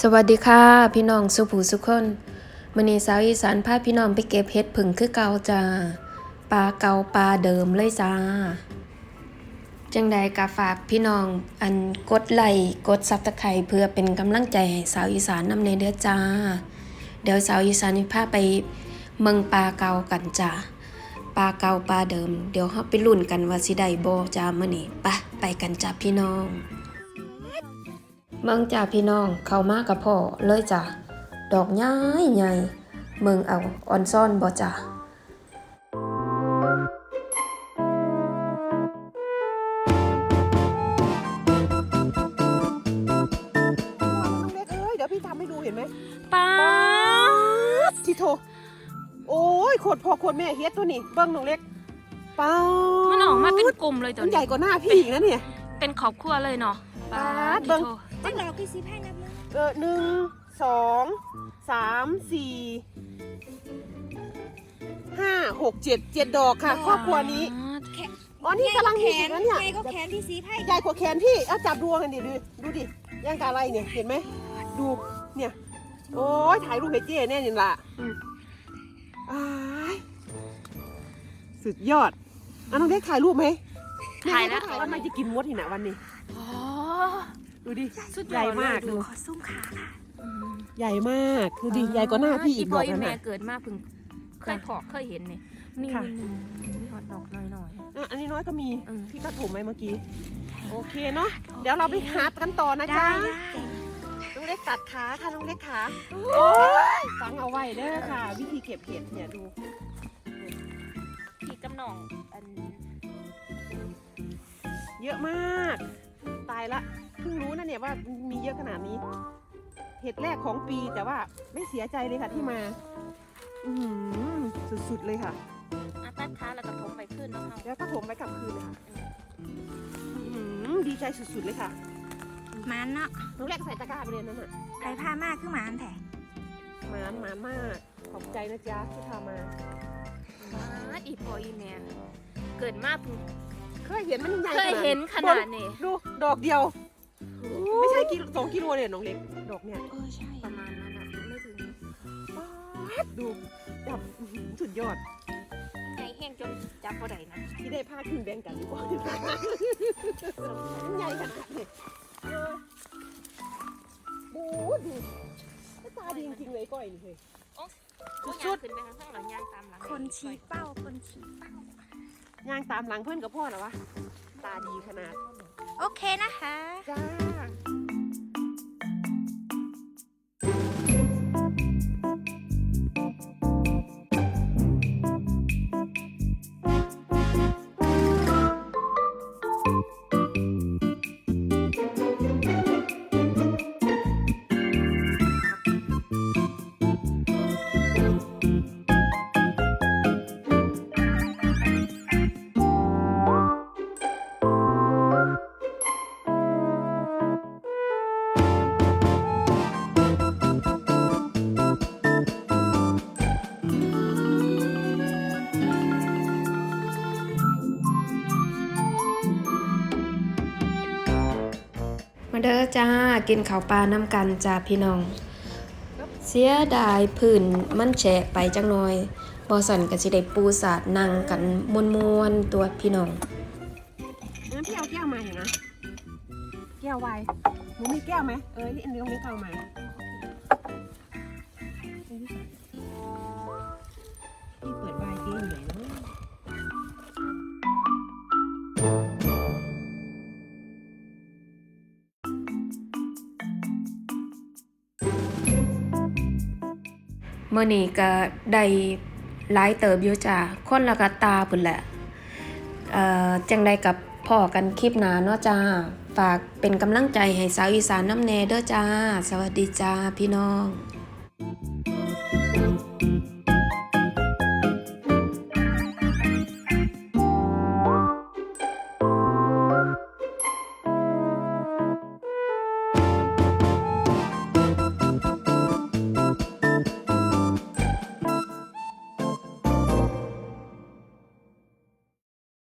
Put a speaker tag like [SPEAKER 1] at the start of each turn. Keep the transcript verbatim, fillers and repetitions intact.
[SPEAKER 1] สวัสดีค่ะพี่น้องสุภูสุขคนมื้อนี้สาวอีสานพาพี่น้องไปเก็บเห็ดผึ่งคือเก่าจ้าปลาเก่าปลาเดิมเลยจ้าจังใดก็ฝากพี่น้องอันกดไลค์กด ซับสไครบ์ เพื่อเป็นกำลังใจให้สาวอีสานนำในเด้อจ้าเดี๋ยวสาวอีสานสิพาไปเมืองปลาเก่ากันจ้าปลาเก่าปลาเดิมเดี๋ยวเฮาไปลุ้นกันว่าสิได้บ่จ้ามื้อนี้ไปไปกันจ้าพี่น้องเมืองจ้าพี่น้องเข้ามากับพ่อเลยจ้าดอกใหญ่ใหญ่เมืองเอาออนซ่อนบ่จ้า
[SPEAKER 2] เล็กเอ้ยเดี๋ยวพี่ทำให้ดูเห็นไหม
[SPEAKER 3] ป๊าด
[SPEAKER 2] ที่โทโอ้ยโคตรพ่อโคตรแม่เฮ็ดตัวนี้เบิ้งน้องเล็กป้าด
[SPEAKER 3] มันออกมาเป็นกลุ่มเลยตัว
[SPEAKER 2] มัน
[SPEAKER 3] นี้
[SPEAKER 2] ใหญ่กว่าหน้าพี่อีกนะเนี่ย
[SPEAKER 3] เป็นครอบครัวเลยเนาะ
[SPEAKER 2] ป๊าด
[SPEAKER 3] ที่
[SPEAKER 2] เบิ่ง
[SPEAKER 3] โท
[SPEAKER 4] จังดอกกี่สิบให้นับเลย
[SPEAKER 2] เออหนึ่งสองสามสี่ห้าหกเจ็ดเจ็ดดอกค่ะครอบครัวนี้อ๋อนี่กำลัง
[SPEAKER 4] แข
[SPEAKER 2] เห็
[SPEAKER 4] น
[SPEAKER 2] นนะเนี่ย
[SPEAKER 4] ใหญ่ก็แขนที่สีไพ่
[SPEAKER 2] ใหญ่กว่าแขนพี่เอาจับดูกันดิดูดูดิย่างกะอะไรเนี่ยเห็นไหมดูเนี่ยโอ้ยถ่ายรูปให้เจ๊แน่นี่ล่ะอืมอ้ายสุดยอดอ่ะน้องเล็กถ่ายรูปไหม
[SPEAKER 3] ถ่ายแล้ว
[SPEAKER 2] ถ่ายว่ามันจะกินมดที่ไหนวันนี้
[SPEAKER 3] อ๋อ
[SPEAKER 2] ดูดิ
[SPEAKER 3] สุดย
[SPEAKER 2] ใหญ่
[SPEAKER 3] อดเลย
[SPEAKER 2] มาก
[SPEAKER 3] ดู
[SPEAKER 2] ดู
[SPEAKER 4] ขอซุ้มขาค่ะ
[SPEAKER 3] อืม
[SPEAKER 2] ใหญ่มากดูดิใหญ่กว่าหน้าพี่อีก
[SPEAKER 3] พ่
[SPEAKER 2] บ
[SPEAKER 3] อ
[SPEAKER 2] อก
[SPEAKER 3] อี
[SPEAKER 2] นั่น
[SPEAKER 3] แม่
[SPEAKER 2] น่ะ
[SPEAKER 3] เกิดมาเพิ่งเคยพอกเคยเห็นนี่นี่
[SPEAKER 2] ค่ะ
[SPEAKER 3] นี่นี่ฮอตดอกหน่อย
[SPEAKER 2] อ่ะอันนี้น้อยก็มี
[SPEAKER 3] ๆเออ
[SPEAKER 2] พี่ก็ถมไว้เมื่อกี้โอเคเนาะเดี๋ยวเราไปหากันต่อนะ
[SPEAKER 4] ได้
[SPEAKER 2] จ๊ะ
[SPEAKER 4] ได้
[SPEAKER 2] น้องเล็กตัดขาค่ะน้องเล็กขาโอ้ยฟังเอาไว้เด้อค่ะ วิธีเก็บเห็ดเนี่ยดู
[SPEAKER 3] พี่กำนองอัน
[SPEAKER 2] เยอะมาก ตายละเพิ่งรู้นะเนี่ยว่ามีเยอะขนาดนี้ เห็ดแรกของปีแต่ว่าไม่เสียใจเลยค่ะที่มา อือหือสุดๆเลยค่ะ
[SPEAKER 3] อาตัดขาแล้วก็ทมไปขึ้นเนาะเฮา
[SPEAKER 2] แล้วก็ถมไปกลับคืนเลยค่ะอื้อหือดีใจสุดๆเลยค่ะ
[SPEAKER 4] มันเนาะ
[SPEAKER 2] น้องแรกใส่ตะกร้าไปเลยนั่นน่ะ
[SPEAKER 4] ไผ่ผ้ามากคือหมานแท้
[SPEAKER 2] หมานหมานมาก ขอบใจนะจ๊ะที่พามา
[SPEAKER 3] ป๊าดอีพ่ออีแม่เกิดมาเพิ่ง
[SPEAKER 2] เคยเห็นมันใหญ่
[SPEAKER 3] เคยเห็นขนาดนี้
[SPEAKER 2] ดู ดอกเดียว ไม่ใช่กิโลสองกิโลเนี่ยน้องเล็ก ดอกเนี่ย
[SPEAKER 4] เออใช่
[SPEAKER 3] ประมาณนั้นอ่ะไม่ถึง
[SPEAKER 2] ป๊าดดูจับอื้อหือสุดยอด
[SPEAKER 3] ใหญ่แห้งจนจับบ่ได้นะ
[SPEAKER 2] ที่ได้ผ้าขึ้นแบ่งกันดีกว่ามันใหญ่ขนาดนี้เออดูดูตาดีจริงๆเลยก้อยนี่เฮ้ย
[SPEAKER 3] ก็ยางขึ้นไปข้างข้างหลังยางตามหลัง
[SPEAKER 4] คนชี้เป้าคนชี้เป้า
[SPEAKER 2] ย่างตามหลังเพื่อนกับพ่อเหรอวะ ตาดีขนาด
[SPEAKER 4] โอเคนะคะ
[SPEAKER 2] จ้า
[SPEAKER 1] มาเด้อจ้ากินข้าวปลาน้ำกันจ้าพี่น้องเสียดายพื้นมันแฉะไปจังหน่อยบ่สั่นก็สิได้ปูสาดนั่งกันม่วนๆตัวพี่น้อง
[SPEAKER 2] งั้นพี่เอาแก้วมาเห็นนะ แก้วไวน์หนูมีแก้วไหม เออนี่อันนี้ตรงนี้เอามาพี่เปิดไวน์เจ๊อยู่ไหนเนาะ
[SPEAKER 1] มื้อนี้ก็ได้หลายเติบอยู่จ้าคนละกะตาพุ่นแหละเอ่อจังใดกับพ่อกันคลิปหน้าเนาะจ้าฝากเป็นกำลังใจให้สาวอีสานน้ำแน่เด้อจ้าสวัสดีจ้าพี่น้อง